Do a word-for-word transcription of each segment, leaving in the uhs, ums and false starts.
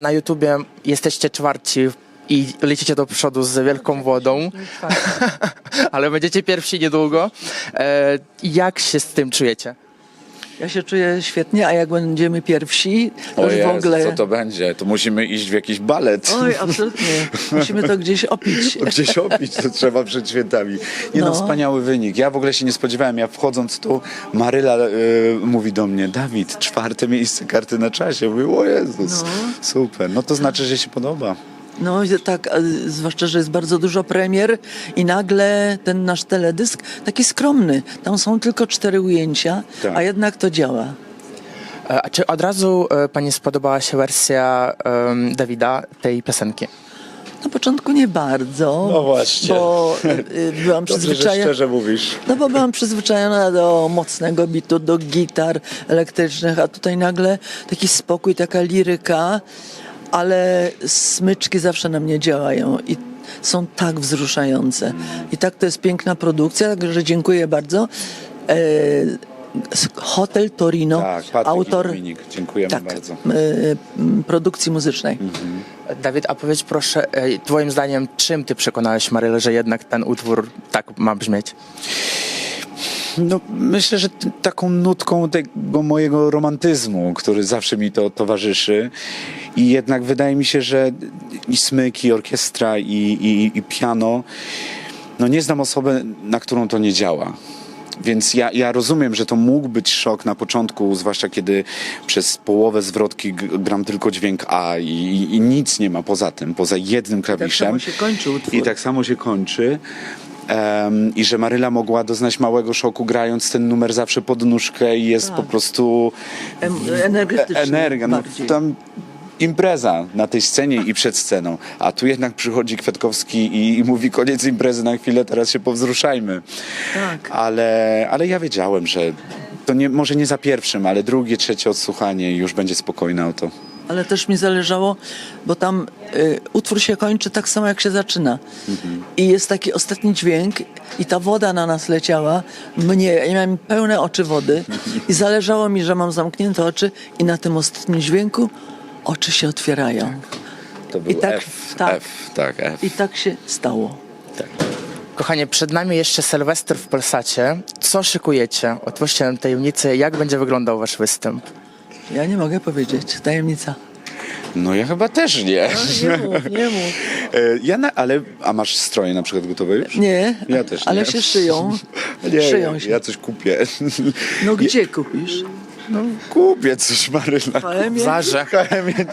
Na YouTubie jesteście czwarci i lecicie do przodu z wielką wodą, ale będziecie pierwsi niedługo. E, jak się z tym czujecie? Ja się czuję świetnie, a jak będziemy pierwsi, to O już Jezu, w ogóle... co to będzie? To musimy iść w jakiś balet. Oj, absolutnie. Musimy to gdzieś opić. Gdzieś opić to trzeba przed świętami. Nie no, No. wspaniały wynik. Ja w ogóle się nie spodziewałem. Ja wchodząc tu, Maryla y, mówi do mnie: Dawid, czwarte miejsce Karty na Czasie. Mówię: o Jezus, No. super. No to znaczy, że się podoba. No i tak, a zwłaszcza, że jest bardzo dużo premier i nagle ten nasz teledysk taki skromny. Tam są tylko cztery ujęcia, Tak. a jednak to działa. E, a czy od razu e, pani spodobała się wersja em, Dawida tej piosenki? Na początku nie bardzo, No właśnie. bo y, byłam Dobrze, że przyzwyczajona. szczerze mówisz. No bo byłam przyzwyczajona do mocnego bitu, do gitar elektrycznych, a tutaj nagle taki spokój, taka liryka, ale smyczki zawsze na mnie działają i są tak wzruszające. I tak to jest piękna produkcja, także dziękuję bardzo. E, Hotel Torino, Tak, Patryk autor i Dominik. Dziękujemy tak, bardzo. e, m, produkcji muzycznej. Dawid, a powiedz proszę, e, twoim zdaniem, czym ty przekonałeś Marylę, że jednak ten utwór tak ma brzmieć? No, myślę, że t- taką nutką tego mojego romantyzmu, który zawsze mi to towarzyszy. I jednak wydaje mi się, że i smyk, i orkiestra, i, i, i piano, no nie znam osoby, na którą to nie działa. Więc ja, ja rozumiem, że to mógł być szok na początku, zwłaszcza kiedy przez połowę zwrotki g- gram tylko dźwięk A i, i, i nic nie ma poza tym, poza jednym Tak klawiszem. samo się kończy utwór. I tak samo się kończy. Um, I że Maryla mogła doznać małego szoku, grając ten numer zawsze pod nóżkę i jest Tak. po prostu Em, energetyczny energia. No, bardziej. tam impreza na tej scenie i przed sceną. A tu jednak przychodzi Kwiatkowski i, i mówi: koniec imprezy na chwilę, teraz się powzruszajmy. Tak. Ale, ale ja wiedziałem, że to nie, może nie za pierwszym, ale drugie, trzecie odsłuchanie i już będzie spokojne o to. Ale też mi zależało, bo tam y, utwór się kończy tak samo, jak się zaczyna. I jest taki ostatni dźwięk i ta woda na nas leciała. Mnie, ja miałem pełne oczy wody i zależało mi, że mam zamknięte oczy i na tym ostatnim dźwięku oczy się otwierają. To był I tak- F, tak. F, tak, F. I tak się stało. Kochanie, przed nami jeszcze Sylwester w Polsacie. Co szykujecie? Otwórzcie nam tajemnicę, jak będzie wyglądał wasz występ? Ja nie mogę powiedzieć. Tajemnica. No ja chyba też nie. Nie mów, nie mów. E, Ja na, ale, a masz stroje na przykład gotowe już? Nie, Ja też ale nie. się szyją. Nie, Szyją ja, się. ja coś kupię. No gdzie kupisz? No kupię coś, Maryla. W H M ie? Zarze. W H M ie.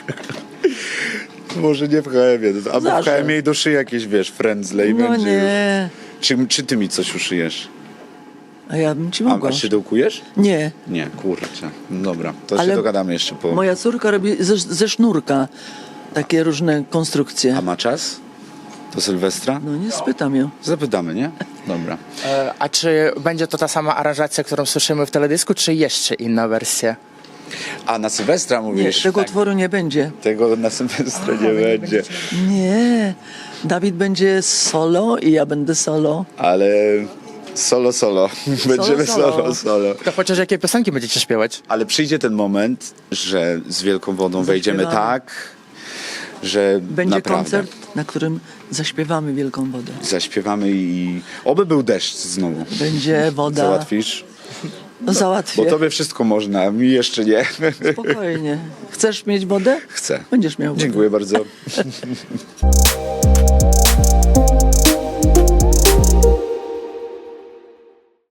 Może nie w H M ie, albo w Zarze. H M ie i do szyi jakieś, wiesz, frędzle i No będzie już. nie. Czy, czy ty mi coś uszyjesz? A ja bym ci A, mogła. a szydełkujesz? Nie. Nie, kurczę. No dobra, to Ale się dogadamy jeszcze po... Moja córka robi ze, ze sznurka takie różne konstrukcje. A ma czas? Do Sylwestra? No nie spytam ją. Zapytamy, nie? Dobra. E, a czy będzie to ta sama aranżacja, którą słyszymy w teledysku, czy jeszcze inna wersja? A na Sylwestra Nie, mówisz? tego Tak. utworu nie będzie. Tego na Sylwestra nie będzie. Nie. Dawid będzie solo i ja będę solo. Ale solo, solo. Będziemy solo. solo, solo. To chociaż jakie piosenki będziecie śpiewać? Ale przyjdzie ten moment, że z Wielką Wodą wejdziemy Zaśpiewamy. tak, że Będzie naprawdę koncert, na którym zaśpiewamy Wielką Wodę. zaśpiewamy i oby był deszcz znowu. Będzie woda. Załatwisz? No, załatwię. Bo tobie wszystko można, a mi jeszcze nie. Spokojnie. Chcesz mieć wodę? Chcę. Będziesz miał wodę. Dziękuję bardzo.